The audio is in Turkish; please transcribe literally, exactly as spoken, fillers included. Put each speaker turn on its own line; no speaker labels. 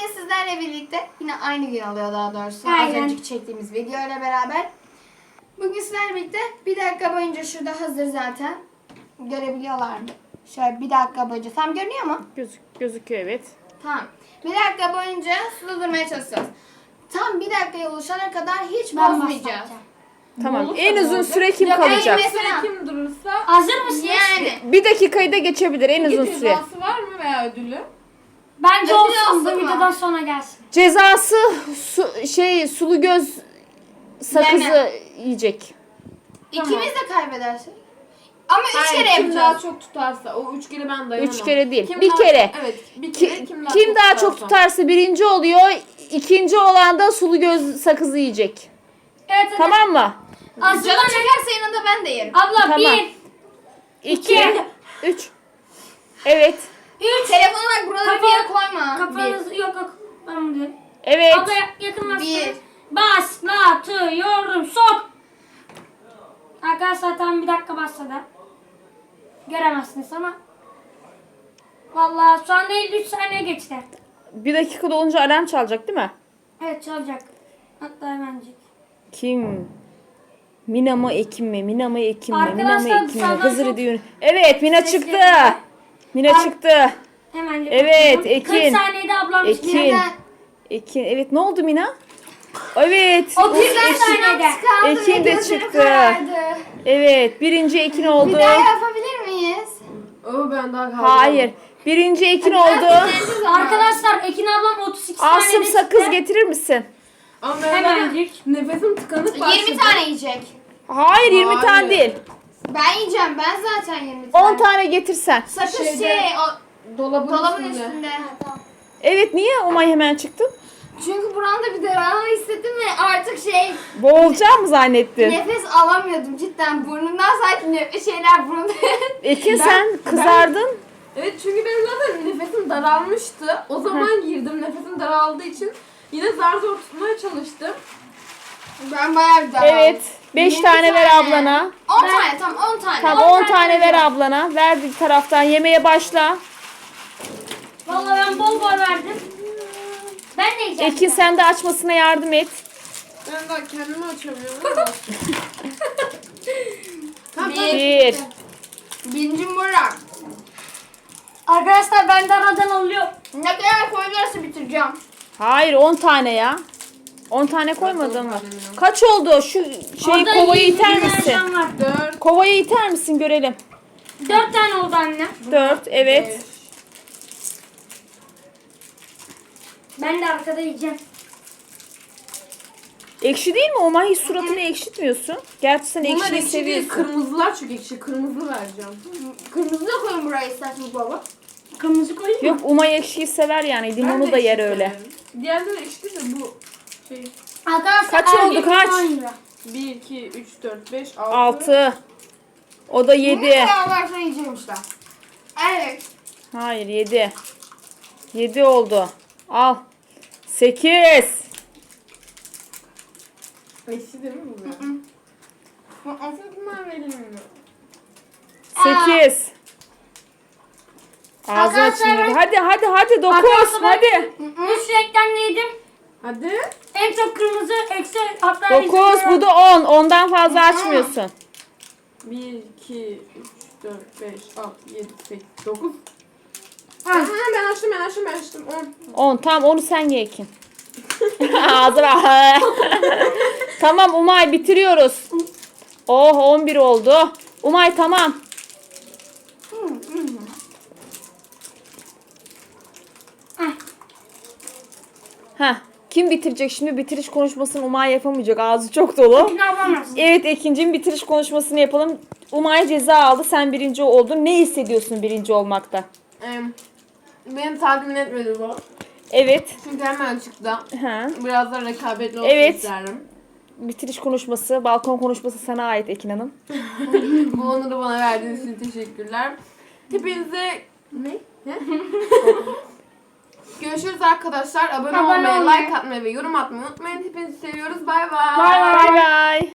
bugün sizlerle birlikte yine aynı gün oluyor daha doğrusu.
Aynen.
Az önceki çektiğimiz video ile beraber. Bugün sizlerle birlikte bir dakika boyunca şurada hazır zaten. Görebiliyorlar mı? Şöyle bir dakika boyunca. Tam görünüyor mu?
Gözük, gözüküyor evet.
Tamam. Bir dakika boyunca suda durmaya çalışacağız. Tam bir dakikaya ulaşana kadar hiç
Ben
bozmayacağız.
başlatacağım.
Tamam.
Olursa
En
ne
uzun
olacak?
süre kim
Ya
kalacak?
en-
Süre kim durursa
Hazır mısınız?
Yani.
Bir dakikayı da geçebilir en
peki
uzun süre.
cezası var mı veya ödülü?
Bence
Ödül
olsun
olsun
bu
mu?
videodan sonra gelsin.
Cezası su, şey sulu göz sakızı
Yeme.
yiyecek.
İkimiz de kaybedersek. Ama üç
Hayır,
kere
kim daha
yapacağız.
çok tutarsa o üç kere ben dayanamam.
Üç kere değil,
Kim
bir
daha-
kere.
Evet bir
Ki-
kere kim daha,
kim
çok,
daha
tutarsa.
çok tutarsa birinci oluyor. İkinci olan da sulu göz sakızı yiyecek.
Evet hadi.
Tamam mı?
Canım
Hazırlanın.
çekerse yanında ben de yerim.
Abla
Tamam.
bir,
İki,
İki.
üç. Evet,
üç.
Telefonu bak buralara bir
Kafa-
yere koyma.
Kafanızı yok yok. Ben bunu diyorum.
evet.
Abla yakınlaştır.
Bir.
Başlatıyorum. Sok. Arkadaşlar tam bir dakika başladı. Göremezsiniz ama. Vallahi şu anda elli üç saniye geçti.
Bir dakika dolunca alarm çalacak değil mi?
Evet çalacak. Hatta hemencik.
Kim? Mina mı Ekim mi? Mina mı Ekim mi? Mina mı
Arkadaşlar,
Ekim mi?
dışarıdan
Hızır
çok
diyor. Evet Mina
ses
çıktı.
geliyor.
Mina
Ar-
çıktı.
Hemencik.
Evet,
bakıyorum.
Ekin.
kırk saniyede ablam
Ekin.
çıktı.
Neden?
Ekin. Evet ne oldu Mina? Evet.
O
Ekin,
birden saniyede.
Kaldı
Ekin
ve
de
gözleri
çıktı.
karardı.
Evet. Birinci Ekin
Bir
oldu.
daha yapabilir miyiz?
Oo ben daha kaldım.
Hayır. Birinci Ekin oldu.
Arkadaşlar Ekin ablam otuz iki saniyede
Asım sakız
çıktı.
getirir misin?
Ama ben
Hemencik.
nefesim tıkanık başladı.
yirmi tane yiyecek.
Hayır yirmi
Hayır.
tane değil.
Ben yiyeceğim. Ben zaten yirmi tane.
on tane getirsen.
Sakız
Şeyde-
şey o
Dolabın,
dolabın
üstünde.
üstünde.
Evet niye Umay hemen çıktın?
Çünkü buramda bir daralma hissettim ve artık şey
Boğulacağım mı zannettin?
nefes alamıyordum cidden. Burnumdan sanki ne- şeyler burnumda.
Ekin
Ben-
sen kızardın.
Evet çünkü benim zaten nefesim daralmıştı. O zaman girdim nefesim daraldığı için. Yine zar zor tutmaya çalıştım.
Ben bayağı bir daraldım.
Evet. beş
yirmi
tane ver
tane.
ablana.
on tane tamam on tane.
Tamam
On
on
tane
tane ver
vereceğim.
ablana. Ver bir taraftan yemeğe başla.
Vallahi ben bol bol verdim. Ben de yiyeceğim.
Ekin sen de açmasına yardım et.
Ben daha kendimi açamıyorum. Tamam,
Bir.
tamam.
Bir.
Birinci Murat.
Arkadaşlar ben de aradan alıyor.
Ne kadar koyabilirse bitireceğim.
Hayır on tane ya. on tane koymadın mı?
tane mi?
Kaç oldu? Şu şey
Orada
kovayı
yirmi
iter
tane
misin?
cam var.
Dört.
Kovayı iter misin görelim.
Dört tane oldu anne.
Dört evet.
beş.
Ben de arkada yiyeceğim.
Ekşi değil mi? Umay hiç suratını ekşitmiyorsun. Gerçi sen
Bunlar
ekşiyi
ekşi değil,
seviyorsun.
kırmızılar çok ekşi. Kırmızı vereceğim.
Kırmızı da koyun buraya isterseniz baba.
Kırmızı koyayım mı?
Yok Umay ekşiyi sever yani.
Ben
Limonu
de
da
ekşi
yer öyle.
severim. Diğerleri ekşi değil de bu şey.
Arkadaşlar
Kaç oldu,
erkek
kaç?
on lira.
bir, iki, üç, dört, beş, altı.
Altı. O da
Ne
yedi.
kadar varsa yiyeceğim işte. Evet.
Hayır yedi. Yedi oldu. Al. Sekiz.
Ekşi değil mi bu? Aslında bunlar verilmiyor.
Sekiz. Ağzına
Arkadaşlar
çınladı.
ben-
Hadi hadi hadi dokuz.
Arkadaşlar ben-
Hadi.
Üç renkten yedim.
Hadi.
En çok kırmızı, eksi hatta
Dokuz. Bu da on. Ondan fazla açmıyorsun.
bir, iki, üç, dört, beş, altı, yedi, sekiz, dokuz.
Ha.
Aha, ben açtım ben açtım ben açtım. on.
On. Tamam onu sen ye Ekin. Ağzına. Tamam Umay bitiriyoruz. Oh on bir oldu. Umay tamam. Heh. Kim bitirecek şimdi? Bitiriş konuşmasını Umay yapamayacak. Ağzı çok dolu.
Ekin ablam.
Evet Ekin'cim bitiriş konuşmasını yapalım. Umay ceza aldı. Sen birinci oldun. Ne hissediyorsun birinci olmakta?
Em, Beni tatmin etmedi bu.
Evet.
Çünkü hemen çıktı.
Ha.
Biraz da rekabetli olsun
Evet.
isterim.
Bitiriş konuşması, balkon konuşması sana ait Ekin Hanım.
Bu onuru bana verdiğiniz için teşekkürler. Hepinize... Ne? Ne? Görüşürüz arkadaşlar. Abone,
Abone
olmayı,
olmayı.
like atmayı ve yorum atmayı unutmayın. Hepinizi seviyoruz. Bay bay.
Bay bay.
Bay bay.